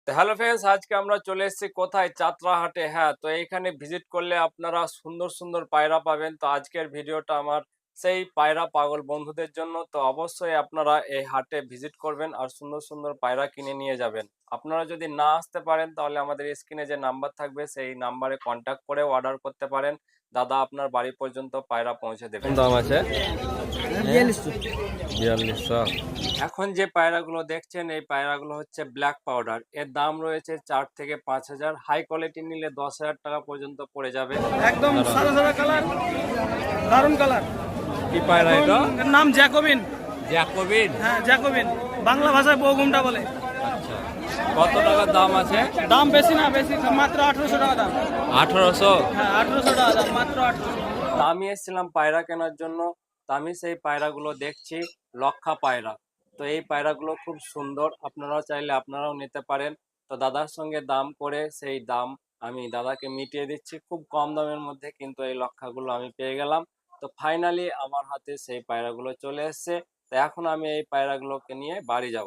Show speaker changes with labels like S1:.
S1: তো hello friends, আজকে আমরা চলে এসেছি কোথায়? যাত্রাহাটে। হ্যাঁ, তো এইখানে ভিজিট করলে আপনারা সুন্দর সুন্দর পায়রা পাবেন। তো আজকের ভিডিওটা আমার সেই পায়রা পাগল বন্ধুদের জন্য। তো অবশ্যই আপনারা এই হাটে ভিজিট করবেন আর সুন্দর সুন্দর পায়রা কিনে নিয়ে যাবেন। আপনারা যদি না আসতে পারেন তাহলে আমাদের স্ক্রিনে যে নাম্বার থাকবে সেই নাম্বারে কন্ট্যাক্ট করে অর্ডার করতে পারেন। দাদা আপনার বাড়ি পর্যন্ত পায়রা পৌঁছে দেবে।
S2: কোন দাম আছে?
S3: 4200।
S2: 4200।
S1: এখন যে পায়রাগুলো দেখছেন এই পায়রাগুলো হচ্ছে ব্ল্যাক পাউডার। এর দাম রয়েছে 4 থেকে 5,000। হাই কোয়ালিটি নিলে 10,000 টাকা পর্যন্ত পড়ে যাবে।
S3: একদম সাদা সাদা কালার, দারুন কালার।
S2: কি পায়রা এটা?
S3: এর নাম জ্যাকোবিন।
S2: জ্যাকোবিন।
S3: হ্যাঁ, জ্যাকোবিন, বাংলা ভাষায় বৌগুমটা বলে।
S2: আচ্ছা, কত টাকার দাম আছে?
S3: দাম বেশি না, বেশি মাত্র 1800 টাকা দাম।
S2: 1800।
S3: হ্যাঁ, 1800 টাকা দাম, মাত্র 1800।
S1: তা আমি এসেছিলাম পায়রা কেনার জন্য। তা আমি সেই পায়রাগুলো দেখছি, লক্ষা পায়রা। তো এই পায়রাগুলো খুব সুন্দর, আপনারাও চাইলে আপনারাও নিতে পারেন। তো দাদার সঙ্গে দাম করে সেই দাম আমি দাদাকে মিটিয়ে দিচ্ছি খুব কম দামের মধ্যে, কিন্তু এই লক্ষাগুলো আমি পেয়ে গেলাম। তো ফাইনালি আমার হাতে সেই পায়রাগুলো চলে এসেছে। তো এখন আমি এই পায়রাগুলোকে নিয়ে বাড়ি যাব।